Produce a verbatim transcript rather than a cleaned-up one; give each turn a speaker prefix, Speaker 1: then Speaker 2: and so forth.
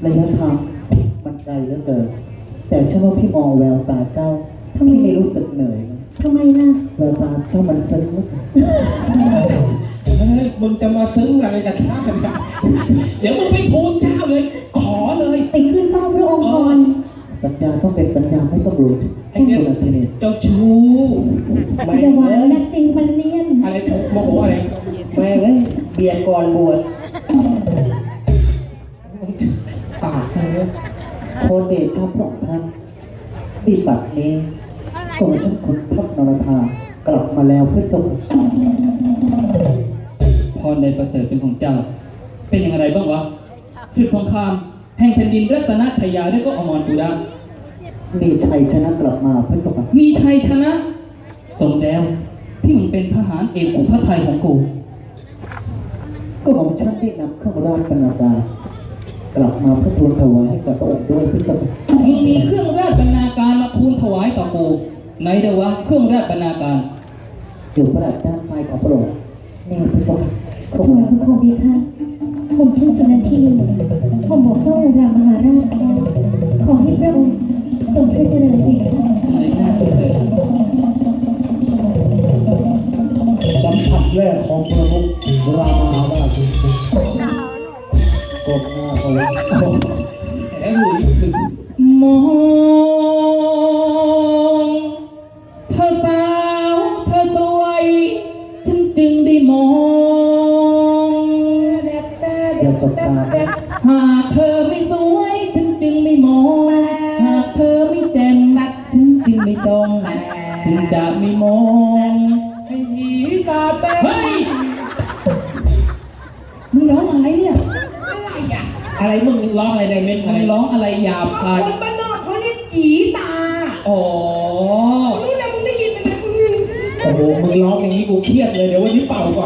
Speaker 1: ระยะทางมันไกลเหลือเกินแต่เชื่อว่าพี่มองแววตาเจ้าพี่ไม่รู้สึกเหนื่อยนะ
Speaker 2: ทำไมล่ะ
Speaker 1: แววตาเจ้ามันซึ้งมาก
Speaker 3: เฮ้ยมึงจะมาซึ้งอะไรกับข้าเนี่ยเดี๋ยวมึงไปทูลเจ้าเลย ขอเลย
Speaker 2: ไปขึ้นเฝ้าพระองค์ก่อน
Speaker 1: สัญญาต้องเป็นสัญญาไม่ต้องรู้
Speaker 3: ไอ้เนี่ย
Speaker 1: สุนันทเนศ
Speaker 3: เจ้าชู้แม่
Speaker 2: อย่าหวานนักซิงมันเลียน
Speaker 3: อะไรโมโหอะไร
Speaker 1: แม่เอ้ยเบียร์ก่อนบวช
Speaker 3: ปากเลย
Speaker 1: โคเดชาพระองค์ท่านที่บัดนี้ตัวฉันขุนทัพนรธากลับมาแล้วเพื่อจง
Speaker 4: พรในประเสริฐเป็นของเจ้า เป็นอย่างไรบ้างวะศึกสงครามแห่งแผ่นดินรัตนชัยยาได้ก็อมรปูดา
Speaker 1: มีชัยชนะกลับมาเพื่อจง
Speaker 4: มีชัยชนะ สมแล้วที่มึงเป็นทหารเอกของพระไทยของกู
Speaker 1: ก็ของฉันได้นำเครื่องราชบรรณาการกลับมาเพื่อทูลถวายให้กับพระองค์ด้วยเพื่อจง
Speaker 4: มึงมีเครื่องราชบรรณาการมาทูลถวายต่อกูไหนเดยววะเครื่องราชบรรณาการ
Speaker 1: อยู่พระราชด้านซ้ายของพระองค์นี่เพื่อจงข
Speaker 2: ถ
Speaker 1: อบ
Speaker 2: วาย
Speaker 1: คุณ
Speaker 2: พระโคดีค่ะผมชื่อสุนันทินีผมบอกพระองค์รามมหาราชแล้วขอให้พระองค์ทรงพระเจริญเลยค่ะ
Speaker 4: ไหนหน้าตัวเธอ
Speaker 3: สัมผัสแรกของประมุขรามาว่า
Speaker 1: กบหน้าเขาเลย
Speaker 3: แหมหลุยถึง
Speaker 4: มองเธอสาวเธอสวยฉันจึงได้มอง
Speaker 1: อย่าสบตา
Speaker 4: หากเธอไม่สวยฉันจึงไม่มอง หากเธอไม่แจ่มฉันจึงไม่จ้องฉันจะไม่มอง
Speaker 3: ให้หีตาเต้น
Speaker 4: เฮ้ยมึงร้องอะไรเนี่ย
Speaker 3: อะไรอ่ะอะไรมึงร้องอะไรในเม็ด
Speaker 4: มึ
Speaker 3: อะไร
Speaker 4: งร้องอะไรหยาบคาย
Speaker 3: คนบ้านนอกเขาเรียกหีตา
Speaker 4: อ๋อ
Speaker 3: นี่นะมึงได้ยินไหมนะมึงโอ้โหมึงร้องอย่างนี้กูเครียดเลยเดี๋ยววันนี้เป่าก่อน